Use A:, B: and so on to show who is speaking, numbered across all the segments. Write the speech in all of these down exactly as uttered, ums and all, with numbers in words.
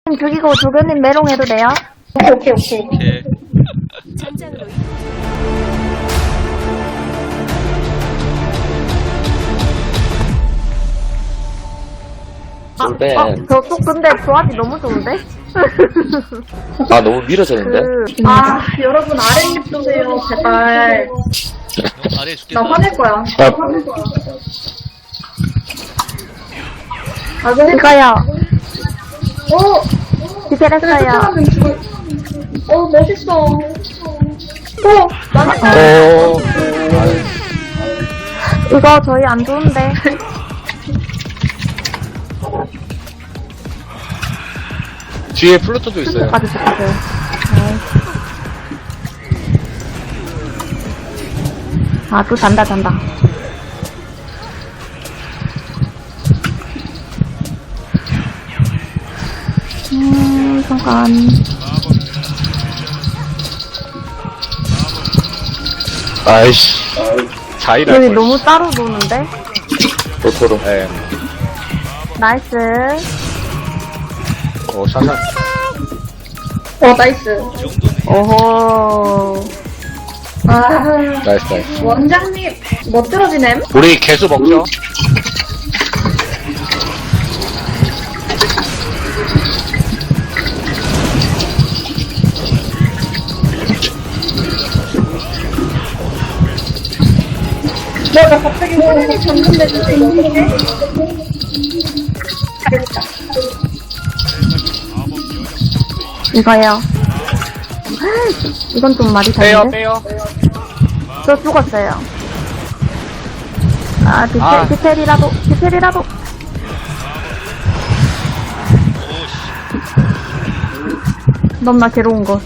A: 죽이고 조교님 메롱해도 돼요?
B: 오케이 오케이 오케이.
C: 오케이.
D: 전장으로
E: 돌배.
A: 어, 저쪽 근데 조합이 너무 좋은데?
E: 아, 너무 밀어졌는데?
A: 그,
B: 아 여러분 아랫입 주세요 제발.
C: 너 아래 죽겠다.
B: 나 화낼 거야.
E: 아,
B: 아 그래?
A: 이거요.
B: 어.
A: 디테레스요.
B: 어 멋있어. 어 망했다.
E: 어,
A: 이거 저희 안 좋은데.
F: 뒤에 플루토도 있어요.
A: 까지 붙으세요. 네. 아, 또 잔다, 잔다. 음, 잠깐.
F: 아이씨. 자이라.
A: 여기 너무 따로 노는데?
E: 도토로.
F: 예.
A: 나이스.
F: 어, 샤샤.
B: 어 나이스.
A: 오호.
B: 아
F: 나이스, 나이스.
B: 원장님 멋들어지네.
F: 우리 개수 먹죠?
B: 내가 갑자기 소름이 졌는데 이거 어떡해? 잘했다.
A: 이거요. 이건 좀 말이
F: 빼요,
A: 다른데?
F: 빼요.
A: 저 죽었어요. 아, 디테,
F: 아.
A: 디테일이라도, 디테일이라도. 너무나 괴로운 것.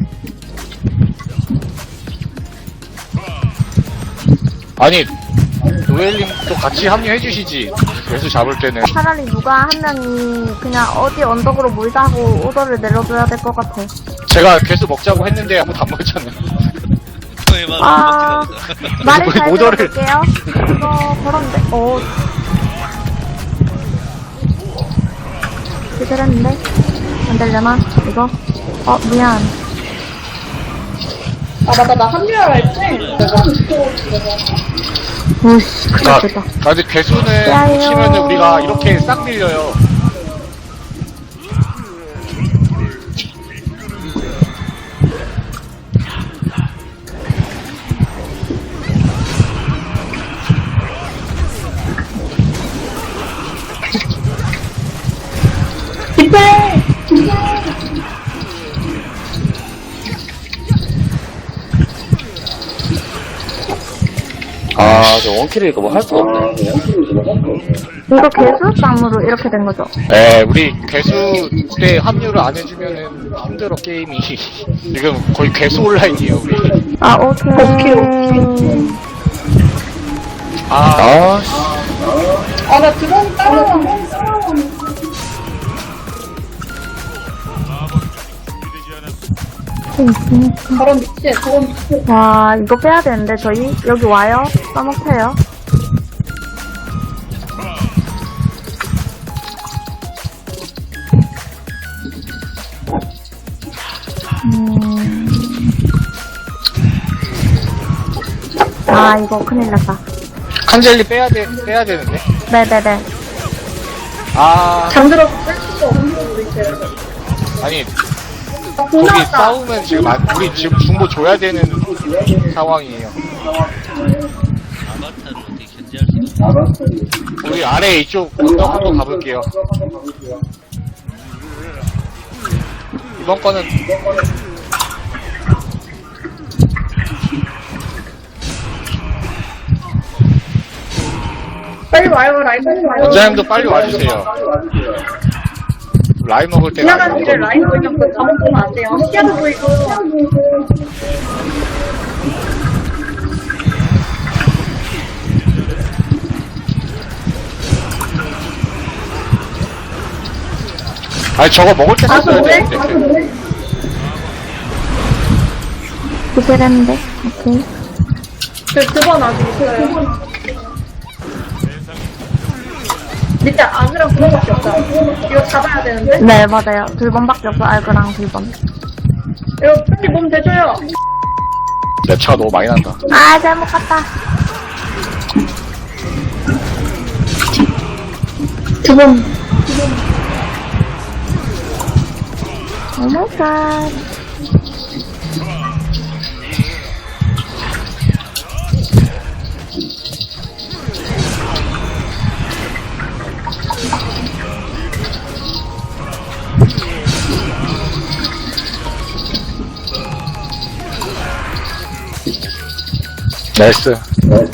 F: 아니, 노엘님도 같이 합류해주시지. 개수 잡을 때는.
A: 차라리 누가 한 명이 그냥 어디 언덕으로 몰다 하고 오더를 내려줘야 될 것 같아.
F: 제가 개수 먹자고 했는데 아무도 안 먹었잖아요.
C: 너의 말을
A: 아,
C: 못 듣나
A: 말을
F: 거의
A: 잘
F: 모더를-
A: 들어볼게요. 이거 그런데, 어. 기다렸는데? 안 되려나? 이거? 어, 미안.
B: 아 맞다 나 합류하라 했지.
A: 오씨, 큰일
F: 아,
A: 났다.
F: 아, 근데 개수는
A: 야요.
F: 치면은 우리가 이렇게 싹 밀려요.
B: 디페.
E: 아, 저 원킬이니까 뭐 할 수가 없네.
A: 이거 개수쌍으로 이렇게 된 거죠?
F: 네, 우리 개수 때 합류를 안 해주면은 힘들어, 게임이. 지금 거의 개수 온라인이에요, 우리.
A: 아, 오케이.
B: 오케이,
F: 아,
E: 아,
B: 아나 드론 따라와. 저런 미친 저런 미친.
A: 와, 이거 빼야 되는데, 저희? 여기 와요? 써먹혀요? 음. 아, 이거 큰일 났다.
F: 칸젤리 빼야 돼, 빼야 되는데.
A: 네네네.
F: 아,
B: 잠들어서 뺄 수가 없는 우리 쟤.
F: 아니,
B: 돈
F: 거기
B: 나왔다.
F: 싸우면 지금, 안, 우리 지금 중보 줘야 되는 상황이에요.
C: 아바타를 어떻게 견제할 수 없어.
F: 우리 아래 이쪽 언덕 한번 가볼게요. 이번 거는
B: 빨리 와요 라인 빨리 와요.
F: 원장님도 빨리 와주세요. 라임 먹을 때가
B: 지나가는 길에
F: 아니고.
B: 라인 보이면 그 잘못 보면 안 돼요. 시야도 보이고.
F: 아니 저거 먹을 때
B: 가서
F: 썼어야
B: 뭐해?
F: 되는데.
B: 가서 뭐해?
A: 구슬했는데? 오케이.
B: 그 두 번 아직 있어요. 밑에 아그랑 그거밖에 없다. 이거 잡아야 되는데?
A: 네, 맞아요. 둘번밖에 없어, 알그랑 둘번.
B: 이거 빨리 몸 대줘요.
F: 내 차가 너무 많이 난다.
A: 아, 잘못 갔다.
B: 두 번.
A: 오 마이 갓.
F: 나이스.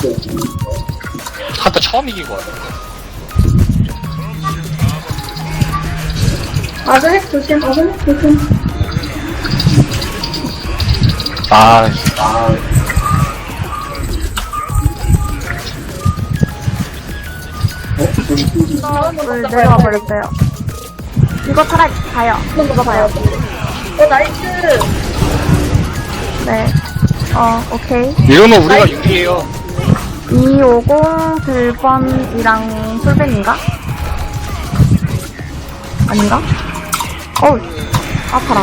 F: 한타 처음 이긴 거 같아.
B: 아그 핵 조심. 아그 핵 조심.
F: 아,
A: 물 내려와 버렸어요. 이거 차라리 가요. 이거 봐요.
B: 어 나이스.
A: 네. 어, 오케이.
F: 이러면 우리가 유리해요.
A: 이오공 들번이랑 풀벤인가? 아닌가? 어우, 아파라.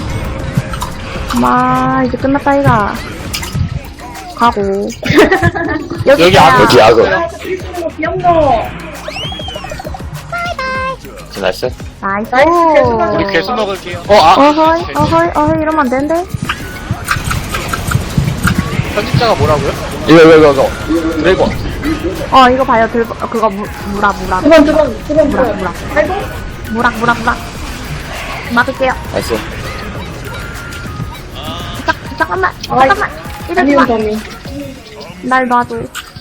A: 마, 이제 끝났다, 이가. 가고. 여기,
F: 여기
A: 있어요.
F: 악어.
E: 여기 악어.
B: 아 일본어 귀엽노.
E: 나이스.
A: 나이스.
B: 나이스, 개수가
F: 우리 개수 먹을게요. 어, 아.
A: 어허이, 어허이, 어허이, 이러면 안 되는데?
F: 편집자가 뭐라고요?
E: 이거, 이거, 이거, 이거. 드래곤.
A: 어, 이거 봐요. 들, 어, 그거, 무, 무라, 무라.
B: 두 번, 두 번, 두 번, 두
A: 무라,
B: 번.
A: 무라.
B: 아이고.
A: 무락, 무락, 무락. 맞을게요.
E: 나이스.
A: 자, 잠깐만,
B: 아이,
A: 잠깐만. 이러지
B: 아니요,
A: 마.
B: 점이.
A: 날 놔줘.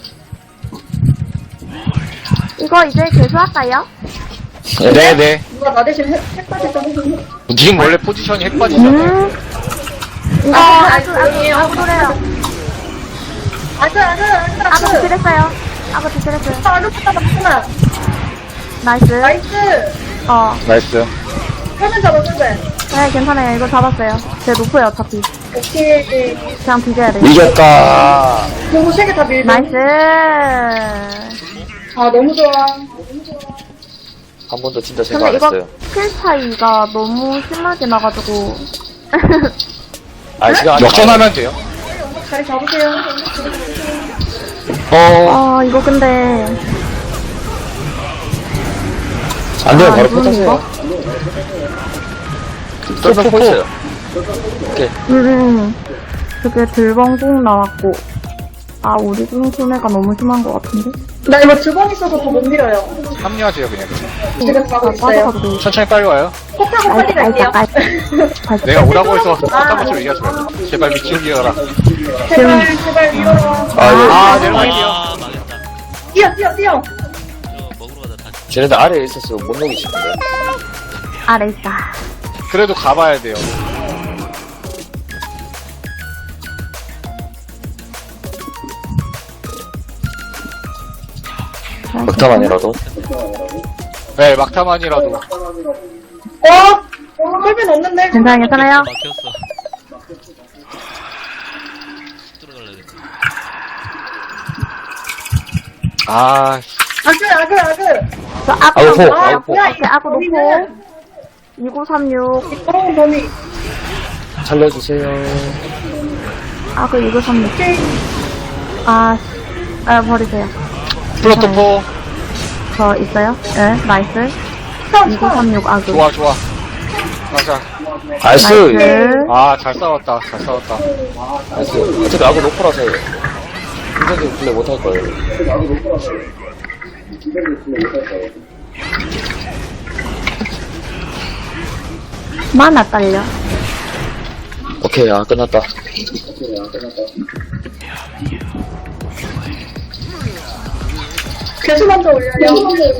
A: 이거 이제 개수할까요?
F: 네, 네.
B: 누가 나 대신 핵, 핵까지 좀 해주세요.
F: 님 원래 포지션이 핵받이잖아요.
A: 음. 이거
B: 아,
A: 아주, 아주,
B: 아니에요.
A: 아주 노래요.
B: 아그, 아그, 아그,
A: 아구
B: 아그.
A: 딜했어요. 아구 딜했어요.
B: 아그 붙다 맞구나.
A: 나이스.
B: 나이스.
A: 어,
F: 나이스.
B: 화면 잡았는데.
A: 네, 괜찮아요. 이거 잡았어요. 제 높아요, 어차피.
B: 오케이.
A: 그냥 뒤져야 돼.
E: 이겼다.
B: 그리고 세 개 다 밀고.
A: 나이스.
B: 아, 너무 좋아.
E: 한 번도 진짜 생각
A: 근데
E: 안
A: 이거
E: 했어요.
A: 킬 차이가 너무 심하게 나가지고.
E: 아, 시간 아직
F: 역전하면 돼요.
B: 자리 잡으세요.
F: 어,
A: 어, 이거 근데.
E: 안 돼요.
A: 아,
E: 바로
A: 이거는
E: 포타세요. 쫄병 포 있어요. 오케이.
A: 음, 그게 들벙궁 나왔고. 아, 우리 궁 손해가 너무 심한 것 같은데?
B: 나 이거 두 번 있어서 더 못 밀어요.
F: 합류하세요, 그냥.
B: 지금 가고 있어요.
A: 빠져가도 돼.
F: 천천히 빨리 와요.
B: 폭하고 빨리 갈게요.
F: 내가 오라고 해서 깜짝 것처럼 얘기하지 말고. 제발 미친 기어라.
B: 제발, 제발 밀어라.
E: 아, 예.
F: 아, 내려갈게요.
C: 아, 망했다.
B: 뛰어, 뛰어, 뛰어.
C: 저 먹으러 가다 다시.
E: 쟤네들 아래에 있어서 못 녹이시는데.
A: 아래 있다.
F: 그래도 가봐야 돼요.
E: 막타만이라도.
F: 네, 막타만이라도.
B: 어? 꿀빈 없는데?
A: 괜찮아요, 괜찮아요?
C: 막혔어. 들어갈라 그랬지.
F: 아,
B: 아그, 아그, 아그.
A: 저 아구,
E: 아구 포,
A: 놓고,
E: 아구 포.
A: 오케이, 아구 놓고. 이구삼육,
B: 어, 범이.
E: 살려주세요.
A: 아구 이구삼육.
B: 오케이.
A: 아, 아, 버리세요.
F: 플로토포.
A: 저 있어요? 네, 나이스.
B: 스톱, 스톱.
A: 이구삼육 아구.
F: 좋아, 좋아. 가자.
E: 나이스.
A: 나이스.
F: 아, 잘 싸웠다. 잘 싸웠다.
E: 나이스. 어차피 아구 높으라서 굉장히 플레이 못할 거예요.
A: 만화 딸려.
E: 오케이, 아, 끝났다.
B: 개수 먼저 올려요.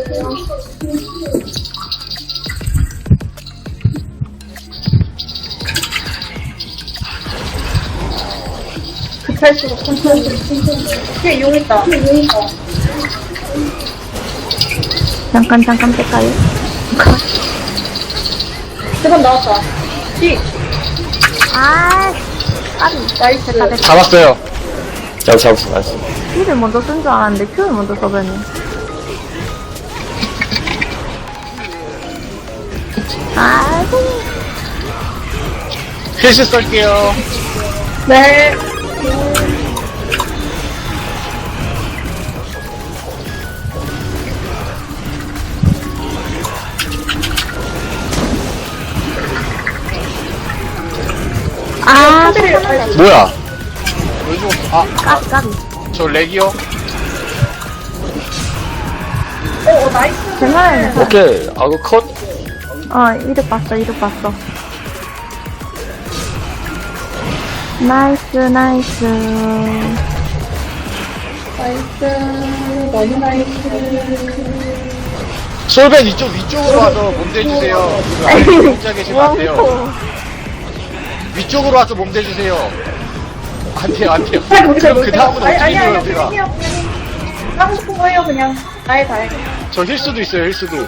B: 급할수록 천천히. 오케이, 용 있다. 용 있다.
A: 잠깐, 잠깐 뺄까요?
B: 세번 나왔다. 뒤.
A: 아, 까비.
B: 나이스.
A: 됐다, 됐다.
F: 잡았어요.
E: 잘 잡았어, 나이스.
A: E를 먼저 쓴 줄 알았는데 Q를 먼저 써버렸네. 아이고.
F: 필수 쏠게요.
B: 네.
A: 아,
B: 사실
F: 뭐야? 왜 죽었어? 아,
A: 까비, 까비.
F: 저 렉이요?
B: 어, 어 나이스.
A: 괜찮아요, 괜찮아요.
E: 오케이. 아그 컷.
A: 어, 이득 봤어, 이득 봤어. 나이스, 나이스.
B: 나이스. 너무 나이스.
F: 솔벤 이쪽 위쪽으로 와서 몸 대주세요. 지금 혼자 계시면 안 돼요. 위쪽으로 와서 몸 대주세요. 안 돼요, 안 돼요.
B: 아니, 우리
F: 그럼 그 다음은
B: 아니,
F: 어떻게
B: 아니,
F: 해요,
B: 아니,
F: 제가?
B: 그냥 그냥 하고 싶은 거 해요, 그냥. 나의 다해.
F: 저 힐수도 있어요, 힐수도.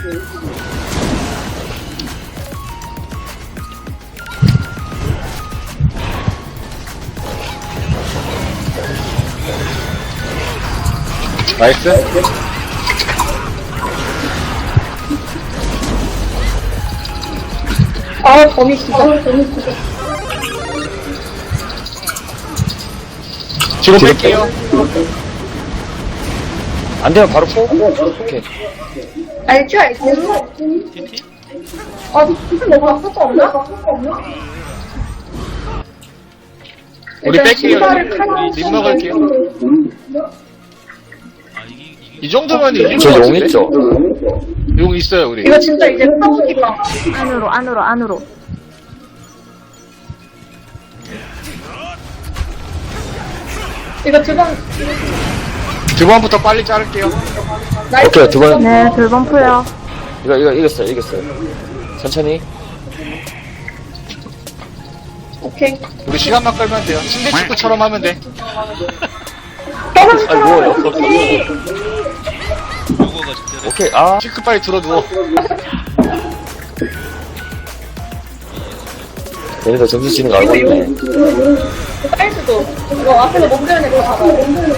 F: 나이스.
B: 아, 범이 진짜. 범이 진짜.
F: 지금 뺄게요.
E: 안 되면 바로 포. 오케이.
B: 알죠, 알죠.
C: 티티?
B: 아, 무슨 너가 쓸거 없나?
F: 우리 뺄게요.
B: 신발을
F: 우리
B: 칸
F: 립 먹을게요.
C: 아 이게 이게
F: 이 정도면 이길 것
E: 저 용
F: 같은데?
E: 있죠?
F: 용 있어요, 우리.
B: 이거 진짜 이제 타보기가.
A: 안으로, 안으로, 안으로.
B: 이거 두 번,
F: 두 번부터 빨리 자를게요.
B: 나이스.
E: 오케이, 두 번.
A: 네, 돌번 풀요.
E: 이거 이거 이겼어요. 이겼어요. 천천히.
B: 오케이.
F: 우리 시간만 끌면 돼요. 침대 축구처럼 하면 돼.
B: 떨어지,
E: 아 뭐예요?
B: 떨어지.
C: 요거가 적절해.
E: 오케이. 아.
F: 시크 빨리 들어 누워.
E: 얘네가 점수 치는 거 알고 있네.
B: 사이즈도. 이거 앞에서 몸들는 거 잡아.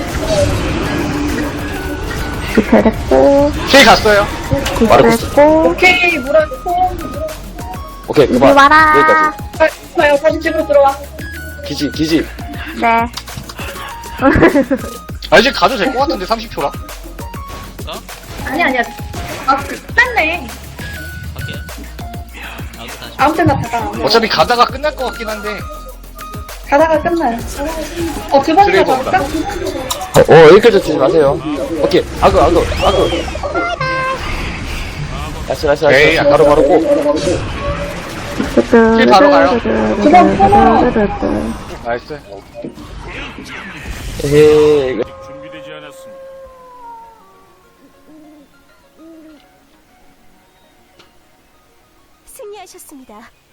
A: 디테일 했고,
F: 힐 갔어요.
A: 디테일
E: 마르코스.
A: 했고.
B: 오케이, 물어주고.
E: 오케이
A: 이리
E: 그만.
A: 와라.
E: 여기까지.
B: 아, 좋아요. 다시 집으로 들어와.
E: 기지 기지.
A: 네.
F: 아, 이제 가도 될 것 같은데, 삼십 초라.
B: 아니, 아니야. 아, 그, 끝났네.
C: 갈게요. 아그 다시.
B: 아무 때나 다가.
F: 어차피 가다가 끝날 것 같긴 한데.
B: 가다가 끝나요. 어, 두 번이나
F: 드래곤이다.
B: 갈까?
E: 어, 어 여기까지 주지 마세요. 오케이. 아그 아그 아그. 나이스 나이스
F: 에이,
E: 나이스. 바로 바로 고.
F: 힐 바로 가요.
B: 두번 끊어.
F: 나이스.
E: 에헤이.
D: 준비되지 않았습니다.
G: 승리하셨습니다.